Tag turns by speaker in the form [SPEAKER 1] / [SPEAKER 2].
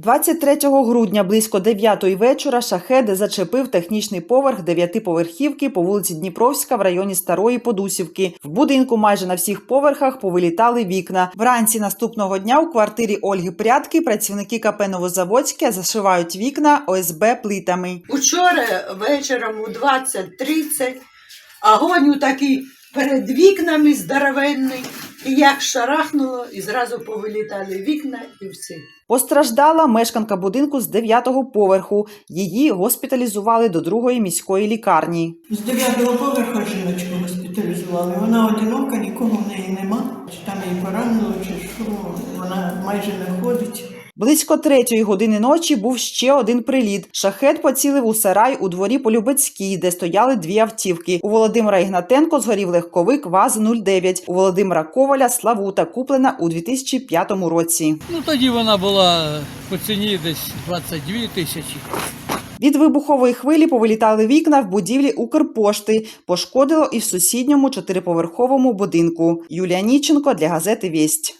[SPEAKER 1] 23 грудня близько 9-ї вечора шахед зачепив технічний поверх 9-поверхівки по вулиці Дніпровська в районі Старої Подусівки. В будинку майже на всіх поверхах повилітали вікна. Вранці наступного дня у квартирі Ольги Прядки працівники КП «Новозаводське» зашивають вікна ОСБ плитами.
[SPEAKER 2] Учора вечором у 20:30 огонь такий перед вікнами здоровенний. І як шарахнуло, і зразу повилітали вікна і всі.
[SPEAKER 1] Постраждала мешканка будинку з 9-го поверху. Її госпіталізували до 2-ї міської лікарні.
[SPEAKER 3] З 9-го поверху жіночку госпіталізували. Вона одинока, нікого в неї нема. Чи там її поранило, чи що, вона майже не ходить.
[SPEAKER 1] Близько 3-ї години ночі був ще один приліт. Шахед поцілив у сарай у дворі по Любецькій, де стояли 2 автівки. У Володимира Ігнатенко згорів легковик ВАЗ-09. У Володимира Коваля Славута, куплена у 2005 році.
[SPEAKER 4] Тоді вона була по ціні десь 22 тисячі.
[SPEAKER 1] Від вибухової хвилі повилітали вікна в будівлі Укрпошти. Пошкодило і в сусідньому 4-поверховому будинку. Юлія Ніченко для газети «Вість».